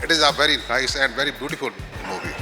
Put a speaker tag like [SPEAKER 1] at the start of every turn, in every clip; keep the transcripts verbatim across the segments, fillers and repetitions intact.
[SPEAKER 1] It is a very nice and very beautiful movie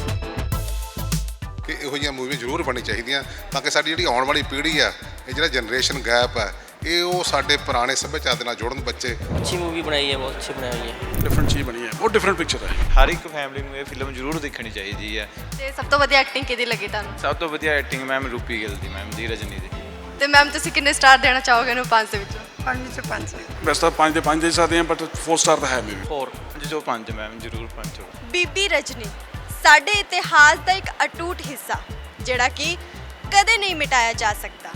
[SPEAKER 1] ਕਿ ਇਹੋ ਜਿਹੀਆਂ ਮੂਵੀਆਂ ਜ਼ਰੂਰ ਬਣਨੀ ਚਾਹੀਦੀਆਂ ਤਾਂ ਕਿ ਸਾਡੀ ਜਿਹੜੀ ਆਉਣ ਵਾਲੀ ਪੀੜ੍ਹੀ ਆ ਇਹ ਜਿਹੜਾ ਜਨਰੇਸ਼ਨ ਗੈਪ ਹੈ ਇਹ ਉਹ ਸਾਡੇ ਪੁਰਾਣੇ ਸੱਭਿਆਚਾਰ ਦੇ ਨਾਲ ਜੁੜਨ ਬੱਚੇ।
[SPEAKER 2] अच्छी मूवी बनाई है, बहुत अच्छी बनाई है।
[SPEAKER 3] डिफरेंट चीज़ बनी है, बहुत डिफरेंट पिक्चर है।
[SPEAKER 4] ਹਰ ਇੱਕ ਫੈਮਿਲੀ ਨੂੰ ਇਹ ਫਿਲਮ ਜ਼ਰੂਰ ਦੇਖਣੀ ਚਾਹੀਦੀ ਹੈ।
[SPEAKER 5] ਤੇ ਸਭ ਤੋਂ ਵਧੀਆ ਐਕਟਿੰਗ ਕਿਹਦੀ ਲੱਗੀ ਤੁਹਾਨੂੰ?
[SPEAKER 4] ਸਭ ਤੋਂ ਵਧੀਆ ਐਕਟਿੰਗ ਮੈਮ ਰੂਪੀ ਗਿੱਲ ਦੀ, ਮੈਮ ਦੀ, ਰਜਨੀ ਦੀ।
[SPEAKER 5] ਤੇ ਮੈਮ ਤੁਸੀਂ ਕਿੰਨੇ ਸਟਾਰ ਦੇਣਾ ਚਾਹੋਗੇ ਇਹਨੂੰ ਪੰਜ ਦੇ ਵਿੱਚੋਂ?
[SPEAKER 6] ਪੰਜ ਵਿੱਚੋਂ ਪੰਜ।
[SPEAKER 3] वैसे तो पाँच दे पाँच दे सकते हैं, बट फोर स्टार तो है मे भी।
[SPEAKER 4] ਫੋਰ ਪੰਜ ਚੋਂ ਪੰਜ ਮੈਮ ਜ਼ਰੂਰ ਪੰਜ ਚੋਂ।
[SPEAKER 5] ਬੀਬੀ ਰਜਨੀ ਸਾਡੇ ਇਤਿਹਾਸ ਦਾ ਇੱਕ ਅਟੁੱਟ ਹਿੱਸਾ ਜਿਹੜਾ ਕਿ ਕਦੇ ਨਹੀਂ ਮਿਟਾਇਆ ਜਾ ਸਕਦਾ।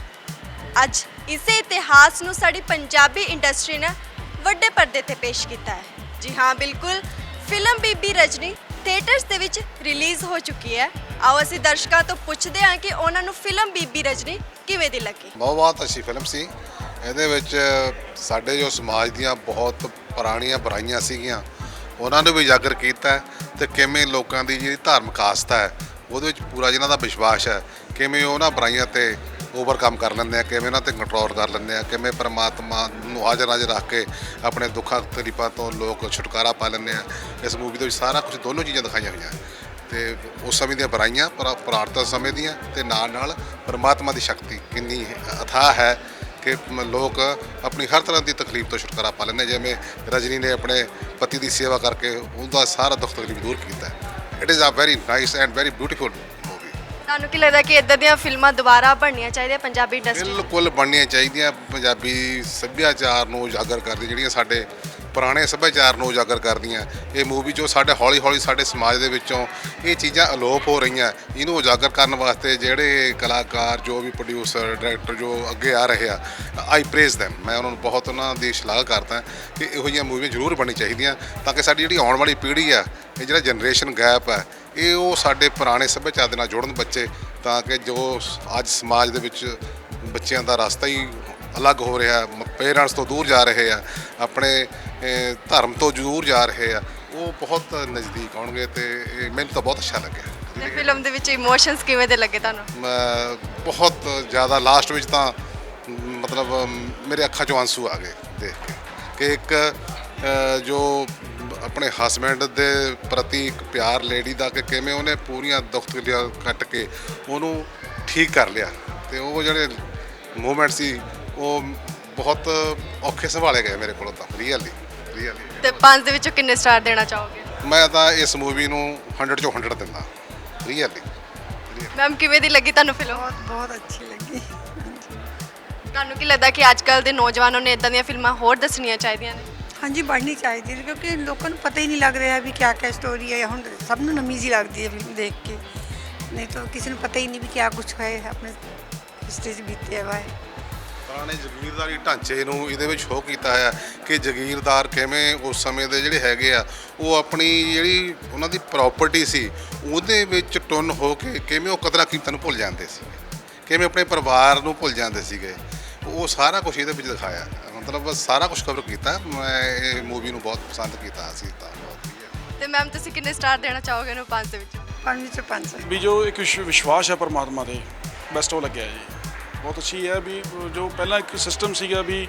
[SPEAKER 5] ਅੱਜ ਇਸੇ ਇਤਿਹਾਸ ਨੂੰ ਸਾਡੀ ਪੰਜਾਬੀ ਇੰਡਸਟਰੀ ਨੇ ਵੱਡੇ ਪਰਦੇ ਤੇ ਪੇਸ਼ ਕੀਤਾ ਹੈ। ਜੀ ਹਾਂ, ਬਿਲਕੁਲ, ਫਿਲਮ ਬੀਬੀ ਰਜਨੀ ਥੀਏਟਰਸ ਦੇ ਵਿੱਚ ਰਿਲੀਜ਼ ਹੋ ਚੁੱਕੀ ਹੈ। ਆਓ ਅਸੀਂ ਦਰਸ਼ਕਾਂ ਤੋਂ ਪੁੱਛਦੇ ਹਾਂ ਕਿ ਉਹਨਾਂ ਨੂੰ ਫਿਲਮ ਬੀਬੀ ਰਜਨੀ ਕਿਵੇਂ ਦੀ ਲੱਗੀ।
[SPEAKER 1] ਬਹੁਤ ਬਹੁਤ ਅੱਛੀ ਫਿਲਮ ਸੀ। ਇਹਦੇ ਵਿੱਚ ਸਾਡੇ ਜੋ ਸਮਾਜ ਦੀਆਂ ਬਹੁਤ ਪੁਰਾਣੀਆਂ ਬੁਰਾਈਆਂ ਸੀਗੀਆਂ ਉਹਨਾਂ ਨੂੰ ਵੀ ਉਜਾਗਰ ਕੀਤਾ ਤੇ ਕਿਵੇਂ ਲੋਕਾਂ ਦੀ ਜਿਹੜੀ ਧਾਰਮਿਕ ਆਸਥਾ ਹੈ ਉਹਦੇ ਵਿੱਚ ਪੂਰਾ ਜਿਹਨਾਂ ਦਾ ਵਿਸ਼ਵਾਸ ਹੈ ਕਿਵੇਂ ਉਹਨਾਂ ਬੁਰਾਈਆਂ ਤੇ ਓਵਰਕਮ ਕਰ ਲੈਂਦੇ ਆ, ਕਿਵੇਂ ਉਹਨਾਂ ਤੇ ਕੰਟਰੋਲ ਕਰ ਲੈਂਦੇ ਆ, ਕਿਵੇਂ ਪਰਮਾਤਮਾ ਨੂੰ ਹਾਜ਼ਰ ਨਾਜ਼ਰ ਰੱਖ ਕੇ ਆਪਣੇ ਦੁੱਖਾਂ ਤਕਲੀਫਾਂ ਤੋਂ ਲੋਕ ਛੁਟਕਾਰਾ ਪਾ ਲੈਂਦੇ ਆ। ਇਸ ਮੂਵੀ ਦੇ ਵਿੱਚ ਸਾਰਾ ਕੁਝ ਦੋਨੋਂ ਚੀਜ਼ਾਂ ਦਿਖਾਈਆਂ ਹੋਈਆਂ ਤੇ ਉਸ ਸਮੇਂ ਦੀਆਂ ਬੁਰਾਈਆਂ ਪਰ ਪ੍ਰਾਰਥਨਾ ਸਮੇਂ ਦੀਆਂ ਤੇ ਨਾਲ ਨਾਲ ਪਰਮਾਤਮਾ ਦੀ ਸ਼ਕਤੀ ਕਿੰਨੀ ਅਥਾਹ ਹੈ ਕਿ ਲੋਕ ਆਪਣੀ ਹਰ ਤਰ੍ਹਾਂ ਦੀ ਤਕਲੀਫ ਤੋਂ ਛੁਟਕਾਰਾ ਪਾ ਲੈਂਦੇ। ਜਿਵੇਂ ਰਜਨੀ ਨੇ ਆਪਣੇ ਪਤੀ ਦੀ ਸੇਵਾ ਕਰਕੇ ਉਹਦਾ ਸਾਰਾ ਦੁੱਖ ਤਕਲੀਫ ਦੂਰ ਕੀਤਾ। It is a very nice and very beautiful movie.
[SPEAKER 5] ਤੁਹਾਨੂੰ ਕੀ ਲੱਗਦਾ ਕਿ ਇਦਾਂ ਦੀਆਂ ਫਿਲਮਾਂ ਦੁਬਾਰਾ ਬਣਨੀਆਂ ਚਾਹੀਦੀਆਂ ਪੰਜਾਬੀ ਇੰਡਸਟਰੀ?
[SPEAKER 1] ਬਿਲਕੁਲ ਬਣਨੀਆਂ ਚਾਹੀਦੀਆਂ। ਪੰਜਾਬੀ ਸੱਭਿਆਚਾਰ ਨੂੰ ਉਜਾਗਰ ਕਰਦੀ ਜਿਹੜੀਆਂ ਸਾਡੇ ਪੁਰਾਣੇ ਸੱਭਿਆਚਾਰ ਨੂੰ ਉਜਾਗਰ ਕਰਦੀਆਂ ਇਹ ਮੂਵੀ ਜੋ ਸਾਡੇ ਹੌਲੀ ਹੌਲੀ ਸਾਡੇ ਸਮਾਜ ਦੇ ਵਿੱਚੋਂ ਇਹ ਚੀਜ਼ਾਂ ਅਲੋਪ ਹੋ ਰਹੀਆਂ ਇਹਨੂੰ ਉਜਾਗਰ ਕਰਨ ਵਾਸਤੇ ਜਿਹੜੇ ਕਲਾਕਾਰ ਜੋ ਵੀ ਪ੍ਰੋਡਿਊਸਰ ਡਾਇਰੈਕਟਰ ਜੋ ਅੱਗੇ ਆ ਰਹੇ ਆ ਆਈ ਪ੍ਰੇਜ਼ ਦੈਮ। ਮੈਂ ਉਹਨਾਂ ਨੂੰ ਬਹੁਤ ਉਹਨਾਂ ਦੀ ਸ਼ਲਾਘਾ ਕਰਦਾ ਕਿ ਇਹੋ ਜਿਹੀਆਂ ਮੂਵੀਆਂ ਜ਼ਰੂਰ ਬਣਨੀ ਚਾਹੀਦੀਆਂ ਤਾਂ ਕਿ ਸਾਡੀ ਜਿਹੜੀ ਆਉਣ ਵਾਲੀ ਪੀੜ੍ਹੀ ਆ ਇਹ ਜਿਹੜਾ ਜਨਰੇਸ਼ਨ ਗੈਪ ਹੈ ਇਹ ਉਹ ਸਾਡੇ ਪੁਰਾਣੇ ਸੱਭਿਆਚਾਰ ਦੇ ਨਾਲ ਜੁੜਨ ਬੱਚੇ ਤਾਂ ਕਿ ਜੋ ਅੱਜ ਸਮਾਜ ਦੇ ਵਿੱਚ ਬੱਚਿਆਂ ਦਾ ਰਸਤਾ ਹੀ ਅਲੱਗ ਹੋ ਰਿਹਾ, ਪੇਰੈਂਟਸ ਤੋਂ ਦੂਰ ਜਾ ਰਹੇ ਆ, ਆਪਣੇ ਧਰਮ ਤੋਂ ਦੂਰ ਜਾ ਰਹੇ ਆ, ਉਹ ਬਹੁਤ ਨਜ਼ਦੀਕ ਆਉਣਗੇ ਤੇ ਇਹ ਮੈਨੂੰ ਤਾਂ ਬਹੁਤ ਅੱਛਾ ਲੱਗਿਆ।
[SPEAKER 5] ਤੇ ਫਿਲਮ ਦੇ ਵਿੱਚ ਇਮੋਸ਼ਨਸ ਕਿਵੇਂ ਦੇ ਲੱਗੇ ਤੁਹਾਨੂੰ?
[SPEAKER 1] ਮੈਂ ਬਹੁਤ ਜ਼ਿਆਦਾ ਲਾਸਟ ਵਿੱਚ ਤਾਂ ਮਤਲਬ ਮੇਰੇ ਅੱਖਾਂ 'ਚੋਂ ਆਂਸੂ ਆ ਗਏ ਦੇਖ ਕੇ ਕਿ ਇੱਕ ਅ, ਜੋ ਆਪਣੇ ਹਸਬੈਂਡ ਦੇ ਪ੍ਰਤੀ ਇੱਕ ਪਿਆਰ ਲੇਡੀ ਦਾ ਕਿ ਕਿਵੇਂ ਉਹਨੇ ਪੂਰੀਆਂ ਦੁੱਖ ਤਕਲੀਫਾਂ ਕੱਟ ਕੇ ਉਹਨੂੰ ਠੀਕ ਕਰ ਲਿਆ ਤੇ ਉਹ ਜਿਹੜੇ ਮੂਵਮੈਂਟ ਸੀ ਉਹ ਬਹੁਤ ਔਖੇ ਸੰਭਾਲੇ ਗਏ ਮੇਰੇ ਕੋਲੋਂ ਤਾਂ ਰੀਅਲੀ ਰੀਅਲੀ।
[SPEAKER 5] ਤੇ ਪੰਜ ਦੇ ਵਿੱਚੋਂ ਕਿੰਨੇ ਸਟਾਰ ਦੇਣਾ ਚਾਹੋਗੇ?
[SPEAKER 1] ਮੈਂ ਤਾਂ ਇਸ ਮੂਵੀ ਨੂੰ ਹੰਡਰਡ ਚੋਂ ਹੰਡਰਡ ਦਿੰਦਾ ਰੀਅਲੀ।
[SPEAKER 5] ਮੈਮ ਕਿਵੇਂ ਦੀ ਲੱਗੀ ਤੁਹਾਨੂੰ ਫਿਲਮ?
[SPEAKER 6] ਬਹੁਤ ਬਹੁਤ ਅੱਛੀ ਲੱਗੀ।
[SPEAKER 5] ਤੁਹਾਨੂੰ ਕੀ ਲੱਗਦਾ ਕਿ ਅੱਜ ਕੱਲ੍ਹ ਦੇ ਨੌਜਵਾਨਾਂ ਨੇ ਇਦਾਂ ਦੀਆਂ ਫਿਲਮਾਂ ਹੋਰ ਦੱਸਣੀਆਂ ਚਾਹੀਦੀਆਂ ਨੇ?
[SPEAKER 6] ਹਾਂਜੀ, ਬਣਨੀ ਚਾਹੀਦੀ ਹੈ ਕਿਉਂਕਿ ਲੋਕਾਂ ਨੂੰ ਪਤਾ ਹੀ ਨਹੀਂ ਲੱਗ ਰਿਹਾ ਵੀ ਕਿਆ ਕਿਆ ਸਟੋਰੀ ਹੈ। ਹੁਣ ਸਭ ਨੂੰ ਨਵੀਂ ਜਿਹੀ ਲੱਗਦੀ ਹੈ ਫਿਲਮ ਦੇਖ ਕੇ, ਨਹੀਂ ਤਾਂ ਕਿਸੇ ਨੂੰ ਪਤਾ ਹੀ ਨਹੀਂ ਵੀ ਕਿਆ ਕੁਛ ਹੈ ਆਪਣੇ ਹਿਸਟਰੀ 'ਚ ਬੀਤਿਆ ਵਾ ਹੈ।
[SPEAKER 1] ਪੁਰਾਣੇ ਜ਼ਗੀਰਦਾਰੀ ਢਾਂਚੇ ਨੂੰ ਇਹਦੇ ਵਿੱਚ ਸ਼ੋਅ ਕੀਤਾ ਹੈ ਕਿ ਜ਼ਗੀਰਦਾਰ ਕਿਵੇਂ ਉਸ ਸਮੇਂ ਦੇ ਜਿਹੜੇ ਹੈਗੇ ਆ ਉਹ ਆਪਣੀ ਜਿਹੜੀ ਉਹਨਾਂ ਦੀ ਪ੍ਰਾਪਰਟੀ ਸੀ ਉਹਦੇ ਵਿੱਚ ਟੁੰਨ ਹੋ ਕੇ ਕਿਵੇਂ ਉਹ ਕਦਰਾਂ ਕੀਮਤਾਂ ਨੂੰ ਭੁੱਲ ਜਾਂਦੇ ਸੀ, ਕਿਵੇਂ ਆਪਣੇ ਪਰਿਵਾਰ ਨੂੰ ਭੁੱਲ ਜਾਂਦੇ ਸੀਗੇ। ਉਹ ਸਾਰਾ ਕੁਝ ਇਹਦੇ ਵਿੱਚ ਦਿਖਾਇਆ, ਮਤਲਬ ਸਾਰਾ ਕੁਝ ਕਵਰ ਕੀਤਾ। ਮੈਂ ਇਹ ਮੂਵੀ ਨੂੰ ਬਹੁਤ ਪਸੰਦ ਕੀਤਾ ਸੀ ਤਾਂ ਬਹੁਤ ਵਧੀਆ।
[SPEAKER 5] ਤੇ ਮੈਮ ਤੁਸੀਂ ਕਿੰਨੇ ਸਟਾਰ ਦੇਣਾ ਚਾਹੋਗੇ ਇਹਨੂੰ ਪੰਜ ਦੇ ਵਿੱਚੋਂ?
[SPEAKER 6] ਪੰਜ ਵਿੱਚੋਂ ਪੰਜ।
[SPEAKER 3] भी जो एक विश- विश्वास है परमात्मा दे बेस्ट वो लग्या जी, बहुत अच्छी है। भी जो पहला एक सिस्टम ਸੀਗਾ ਵੀ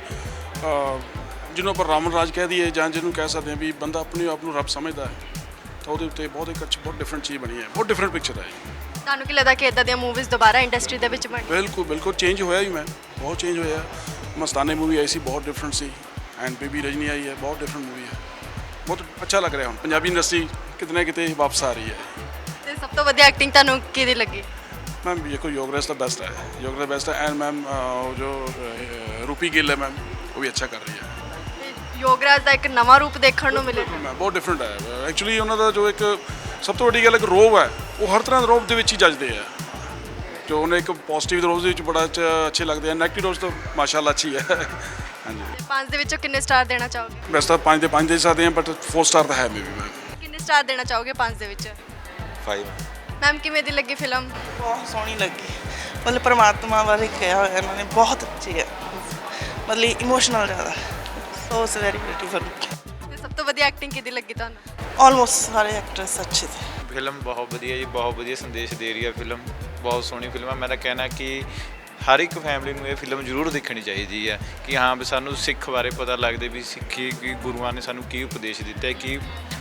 [SPEAKER 3] ਜਿਹਨੂੰ ਆਪਾਂ ਰਾਵਣ ਰਾਜ ਕਹਿ ਦਈਏ ਜਾਂ ਜਿਹਨੂੰ ਕਹਿ ਸਕਦੇ ਹਾਂ ਵੀ ਬੰਦਾ ਆਪਣੇ ਆਪ ਨੂੰ ਰੱਬ ਸਮਝਦਾ ਹੈ ਤਾਂ ਉਹਦੇ ਉੱਤੇ ਬਹੁਤ ਇੱਕ ਅੱਛੀ ਬਹੁਤ ਡਿਫਰੈਂਟ ਚੀਜ਼ ਬਣੀ ਹੈ, ਬਹੁਤ ਡਿਫਰੈਂਟ ਪਿਕਚਰ ਹੈ ਜੀ।
[SPEAKER 5] ਤੁਹਾਨੂੰ ਕੀ ਲੱਗਦਾ ਕਿ ਇਦਾਂ ਦੀਆਂ ਮੂਵੀਜ਼ ਦੁਬਾਰਾ ਇੰਡਸਟਰੀ ਦੇ ਵਿੱਚ ਬਣ?
[SPEAKER 3] ਬਿਲਕੁਲ ਬਿਲਕੁਲ ਚੇਂਜ ਹੋਇਆ ਹੀ, ਮੈਂ ਬਹੁਤ ਚੇਂਜ ਹੋਇਆ। ਮਸਤਾਨੇ ਮੂਵੀ ਆਈ ਸੀ, ਬਹੁਤ ਡਿਫਰੈਂਟ ਸੀ, ਐਂਡ ਬੀਬੀ ਰਜਨੀ ਆਈ ਹੈ, ਬਹੁਤ ਡਿਫਰੈਂਟ ਮੂਵੀ ਹੈ। ਬਹੁਤ ਅੱਛਾ ਲੱਗ ਰਿਹਾ ਹੁਣ ਪੰਜਾਬੀ ਇੰਡਸਟਰੀ ਕਿਤੇ ਨਾ ਕਿਤੇ ਵਾਪਸ ਆ ਰਹੀ ਹੈ।
[SPEAKER 5] ਤੇ ਸਭ ਤੋਂ ਵਧੀਆ ਐਕਟਿੰਗ ਤੁਹਾਨੂੰ ਕਿਹਦੀ ਲੱਗੀ?
[SPEAKER 3] मैम ये कोई योगराज तो बेस्ट है, योगराज बेस्ट है। एंड मैम जो रूपी गिल है मैम वो भी अच्छा कर रही है।
[SPEAKER 5] ਤੇ ਯੋਗਰਾਜ ਦਾ ਇੱਕ ਨਵਾਂ ਰੂਪ ਦੇਖਣ ਨੂੰ ਮਿਲੇ।
[SPEAKER 3] मैम बहुत डिफरेंट है एक्चुअली। ਉਹਨਾਂ ਦਾ ਜੋ ਇੱਕ ਸਭ ਤੋਂ ਵੱਡੀ ਗੱਲ ਇੱਕ ਰੋਬ ਹੈ, ਉਹ ਹਰ ਤਰ੍ਹਾਂ ਦੇ ਰੋਬ ਦੇ ਵਿੱਚ ਹੀ ਜੱਜਦੇ ਆ। ਜੋ ਉਹਨੇ ਇੱਕ ਪੋਜ਼ਿਟਿਵ ਰੋਬ ਦੇ ਵਿੱਚ ਬੜਾ ਅੱਛੇ ਲੱਗਦੇ ਆ, ਨੈਗੇਟਿਵ ਰੋਬ ਤਾਂ ਮਾਸ਼ਾਅੱਲਾ ਅੱਛੀ ਹੈ। ਹਾਂਜੀ,
[SPEAKER 5] ਤੇ ਪੰਜ ਦੇ ਵਿੱਚੋਂ ਕਿੰਨੇ ਸਟਾਰ ਦੇਣਾ ਚਾਹੋਗੇ?
[SPEAKER 3] ਵੈਸੇ ਤਾਂ ਪੰਜ ਦੇ ਪੰਜ ਦੇ ਸਕਦੇ ਹਾਂ, ਬਟ ਫੋਰ ਸਟਾਰ ਤਾਂ ਹੈ ਮੇ ਵੀ। ਮੈਮ
[SPEAKER 5] ਕਿੰਨੇ ਸਟਾਰ ਦੇਣਾ ਚਾਹੋਗੇ ਪੰਜ ਦੇ ਵਿੱਚ?
[SPEAKER 4] ਫਾਈਵ।
[SPEAKER 5] ਮੈਮ ਕਿਵੇਂ ਦੀ ਲੱਗੀ ਫਿਲਮ?
[SPEAKER 7] ਬਹੁਤ ਸੋਹਣੀ ਲੱਗੀ, ਮਤਲਬ ਪਰਮਾਤਮਾ ਬਾਰੇ ਕਿਹਾ ਹੋਇਆ ਇਹਨਾਂ ਨੇ, ਬਹੁਤ ਅੱਛੀ ਹੈ, ਮਤਲਬ ਇਮੋਸ਼ਨਲ ਜ਼ਿਆਦਾ, ਸੋ ਇਟਸ ਵੈਰੀ ਬਿਊਟੀਫੁਲ।
[SPEAKER 5] ਤੇ ਸਭ ਤੋਂ ਵਧੀਆ ਐਕਟਿੰਗ ਕਿਹਦੀ ਲੱਗੀ ਤੁਹਾਨੂੰ?
[SPEAKER 7] ਆਲਮੋਸਟ ਸਾਰੇ ਐਕਟਰਸ ਅੱਛੇ ਥੇ।
[SPEAKER 4] ਫਿਲਮ ਬਹੁਤ ਵਧੀਆ ਜੀ, ਬਹੁਤ ਵਧੀਆ ਸੰਦੇਸ਼ ਦੇ ਰਹੀ ਹੈ ਫਿਲਮ, ਬਹੁਤ ਸੋਹਣੀ ਫਿਲਮ ਹੈ। ਮੇਰਾ ਕਹਿਣਾ ਕਿ ਹਰ ਇੱਕ ਫੈਮਿਲੀ ਨੂੰ ਇਹ ਫਿਲਮ ਜ਼ਰੂਰ ਦੇਖਣੀ ਚਾਹੀਦੀ ਹੈ ਕਿ ਹਾਂ ਵੀ ਸਾਨੂੰ ਸਿੱਖ ਬਾਰੇ ਪਤਾ ਲੱਗਦੇ ਵੀ ਸਿੱਖੀ ਕੀ ਗੁਰੂਆਂ ਨੇ ਸਾਨੂੰ ਕੀ ਉਪਦੇਸ਼ ਦਿੱਤਾ, ਕੀ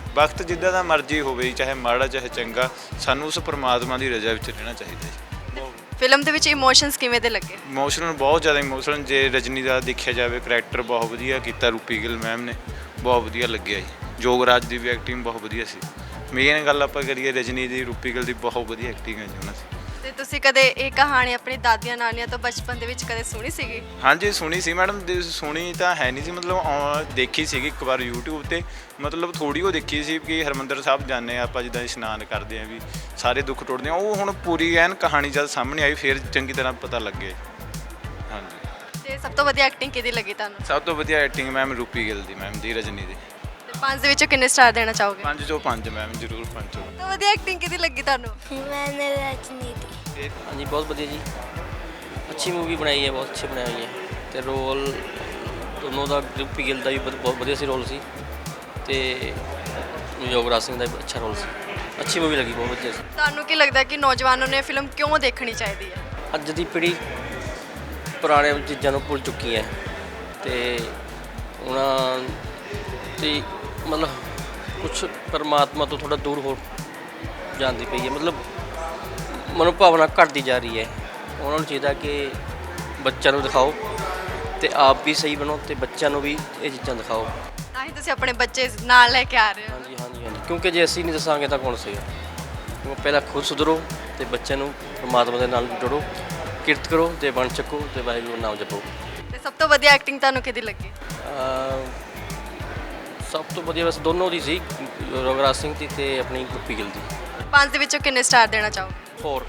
[SPEAKER 4] ਵਕਤ ਜਿੱਦਾਂ ਦਾ ਮਰਜ਼ੀ ਹੋਵੇ ਜੀ, ਚਾਹੇ ਮਾੜਾ ਚਾਹੇ ਚੰਗਾ, ਸਾਨੂੰ ਉਸ ਪਰਮਾਤਮਾ ਦੀ ਰਜ਼ਾ ਵਿੱਚ ਰਹਿਣਾ ਚਾਹੀਦਾ ਜੀ।
[SPEAKER 5] ਫਿਲਮ ਦੇ ਵਿੱਚ ਇਮੋਸ਼ਨਸ ਕਿਵੇਂ ਦੇ ਲੱਗੇ?
[SPEAKER 4] ਇਮੋਸ਼ਨਲ, ਬਹੁਤ ਜ਼ਿਆਦਾ ਇਮੋਸ਼ਨਲ। ਜੇ ਰਜਨੀ ਦਾ ਦੇਖਿਆ ਜਾਵੇ ਕਰੈਕਟਰ ਬਹੁਤ ਵਧੀਆ ਕੀਤਾ ਰੂਪੀ ਗਿੱਲ ਮੈਮ ਨੇ, ਬਹੁਤ ਵਧੀਆ ਲੱਗਿਆ ਜੀ। ਜੋਗਰਾਜ ਦੀ ਵੀ ਐਕਟਿੰਗ ਬਹੁਤ ਵਧੀਆ ਸੀ। ਮੇਨ ਗੱਲ ਆਪਾਂ ਕਰੀਏ ਰਜਨੀ ਦੀ, ਰੂਪੀ ਗਿੱਲ ਦੀ ਬਹੁਤ ਵਧੀਆ ਐਕਟਿੰਗ ਹੈ ਜੀ ਉਹਨਾਂ ਦੀ।
[SPEAKER 5] ਤੇ ਤੁਸੀਂ ਕਦੇ ਇਹ ਕਹਾਣੀ ਆਪਣੀ ਦਾਦੀਆਂ ਨਾਨੀਆਂ ਤੋਂ ਬਚਪਨ ਦੇ ਵਿੱਚ ਕਦੇ ਸੁਣੀ ਸੀਗੀ?
[SPEAKER 4] ਹਾਂਜੀ ਸੁਣੀ ਸੀ ਮੈਡਮ, ਦੇ- ਸੁਣੀ ਤਾਂ ਹੈ ਨਹੀਂ ਸੀ, ਮਤਲਬ ਔ- ਦੇਖੀ ਸੀਗੀ ਇੱਕ ਵਾਰ YouTube ਤੇ, ਮਤਲਬ ਥੋੜੀ ਉਹ ਦੇਖੀ ਸੀ ਕਿ ਹਰਿਮੰਦਰ ਸਾਹਿਬ ਜਾਂਦੇ ਆ ਆਪਾਂ, ਜਿੱਦਾਂ ਇਸ਼ਨਾਨ ਕਰਦੇ ਆ ਵੀ ਸਾਰੇ ਦੁੱਖ ਟੁੱਟਦੇ ਆ। ਉਹ ਹੁਣ ਪੂਰੀ ਐਨ ਕਹਾਣੀ ਜਦ ਸਾਹਮਣੇ ਆਈ ਫਿਰ ਚੰਗੀ ਤਰ੍ਹਾਂ ਪਤਾ ਲੱਗੇ। ਹਾਂਜੀ।
[SPEAKER 5] ਤੇ ਸਭ ਤੋਂ ਵਧੀਆ ਐਕਟਿੰਗ ਕਿਹਦੀ ਲੱਗੀ ਤੁਹਾਨੂੰ?
[SPEAKER 4] ਸਭ ਤੋਂ ਵਧੀਆ ਐਕਟਿੰਗ ਮੈਮ ਰੂਪੀ ਗਿੱਲ ਦੀ, ਮੈਮ ਦੀ, ਰਜਨੀ ਦੀ।
[SPEAKER 5] ਤੇ ਪੰਜ ਦੇ ਵਿੱਚੋਂ ਕਿੰਨੇ ਸਟਾਰ ਦੇਣਾ ਚਾਹੋਗੇ?
[SPEAKER 4] ਪੰਜ ਚੋਂ ਪੰਜ ਮੈਮ, ਜ਼ਰੂਰ ਪੰਜ ਚੋਂ।
[SPEAKER 5] ਸਭ ਤੋਂ ਵਧੀਆ ਐਕਟਿੰਗ ਕਿਹਦੀ ਲੱਗੀ ਤੁਹਾਨੂੰ?
[SPEAKER 8] मैंने राजनीति
[SPEAKER 4] ਇਹ
[SPEAKER 2] ਹਾਂਜੀ ਬਹੁਤ ਵਧੀਆ ਜੀ, ਅੱਛੀ ਮੂਵੀ ਬਣਾਈ ਹੈ, ਬਹੁਤ ਅੱਛੀ ਬਣਾਈ ਹੋਈ ਹੈ। ਤੇ ਰੋਲ ਦੋਨੋਂ ਦਾ, ਰੂਪੀ ਗਿੱਲ ਦਾ ਵੀ ਬਹੁਤ ਬਹੁਤ ਵਧੀਆ ਸੀ ਰੋਲ ਸੀ, ਤੇ ਯੋਗਰਾਜ ਸਿੰਘ ਦਾ ਵੀ ਅੱਛਾ ਰੋਲ ਸੀ। ਅੱਛੀ ਮੂਵੀ ਲੱਗੀ, ਬਹੁਤ ਵਧੀਆ ਸੀ।
[SPEAKER 5] ਤੁਹਾਨੂੰ ਕੀ ਲੱਗਦਾ ਕਿ ਨੌਜਵਾਨਾਂ ਨੂੰ ਇਹ ਫਿਲਮ ਕਿਉਂ ਦੇਖਣੀ ਚਾਹੀਦੀ ਹੈ?
[SPEAKER 2] ਅੱਜ ਦੀ ਪੀੜ੍ਹੀ ਪੁਰਾਣੇ ਚੀਜ਼ਾਂ ਨੂੰ ਭੁੱਲ ਚੁੱਕੀ ਹੈ, ਤੇ ਉਹਨਾਂ ਦੀ ਮਤਲਬ ਕੁਛ ਪਰਮਾਤਮਾ ਤੋਂ ਥੋੜਾ ਦੂਰ ਹੋ ਜਾਂਦੀ ਪਈ ਹੈ, ਮਤਲਬ ਮਨੋਭਾਵਨਾ ਘਟਦੀ ਜਾ ਰਹੀ ਹੈ। ਉਹਨਾਂ ਨੂੰ ਚਾਹੀਦਾ ਕਿ ਬੱਚਿਆਂ ਨੂੰ ਦਿਖਾਓ ਤੇ ਆਪ ਵੀ ਸਹੀ ਬਣੋ ਤੇ ਬੱਚਿਆਂ ਨੂੰ ਵੀ ਇਹ ਚੀਜ਼ਾਂ ਦਿਖਾਓ।
[SPEAKER 5] ਤਾਂ ਹੀ ਤੁਸੀਂ ਆਪਣੇ ਬੱਚੇ ਨਾਲ ਲੈ ਕੇ ਆ ਰਹੇ ਹੋ।
[SPEAKER 2] ਹਾਂਜੀ ਹਾਂਜੀ ਹਾਂਜੀ, ਕਿਉਂਕਿ ਜੇ ਅਸੀਂ ਨਹੀਂ ਦੱਸਾਂਗੇ ਤਾਂ ਕੌਣ ਸੇਗਾ। ਕਿਉਂਕਿ ਪਹਿਲਾਂ ਖੁਦ ਸੁਧਰੋ ਤੇ ਬੱਚਿਆਂ ਨੂੰ ਪਰਮਾਤਮਾ ਦੇ ਨਾਲ ਜੋੜੋ, ਕਿਰਤ ਕਰੋ ਤੇ ਬਣ ਚੱਕੋ ਤੇ ਵਾਹਿਗੁਰੂ ਦਾ ਨਾਮ ਜਪੋ।
[SPEAKER 5] ਤੇ ਸਭ ਤੋਂ ਵਧੀਆ ਐਕਟਿੰਗ ਤੁਹਾਨੂੰ ਕਿਹਦੀ ਲੱਗੀ?
[SPEAKER 2] ਅਹ ਸਭ ਤੋਂ ਵਧੀਆ ਵੈਸੇ ਦੋਨੋਂ ਦੀ ਸੀ, ਯੋਗਰਾਜ ਸਿੰਘ ਦੀ ਤੇ ਆਪਣੀ ਰੂਪੀ ਗਿੱਲ ਦੀ।
[SPEAKER 5] ਪੰਜ ਦੇ ਵਿੱਚੋਂ ਕਿੰਨੇ ਸਟਾਰ ਦੇਣਾ ਚਾਹੋਗੇ?
[SPEAKER 2] ਫੋਰ।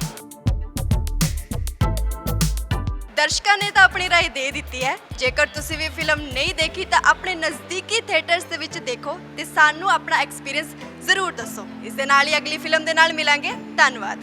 [SPEAKER 5] ਦਰਸ਼ਕਾਂ ਨੇ ਤਾਂ ਆਪਣੀ ਰਾਏ ਦੇ ਦਿੱਤੀ ਹੈ। ਜੇਕਰ ਤੁਸੀਂ ਵੀ ਫਿਲਮ ਨਹੀਂ ਦੇਖੀ ਤਾਂ ਆਪਣੇ ਨਜ਼ਦੀਕੀ ਥੀਏਟਰਸ ਦੇ ਵਿੱਚ ਦੇਖੋ ਤੇ ਸਾਨੂੰ ਆਪਣਾ ਐਕਸਪੀਰੀਅੰਸ ਜ਼ਰੂਰ ਦੱਸੋ। ਇਸ ਦੇ ਨਾਲ ਹੀ ਅਗਲੀ ਫਿਲਮ ਦੇ ਨਾਲ ਮਿਲਾਂਗੇ। ਧੰਨਵਾਦ।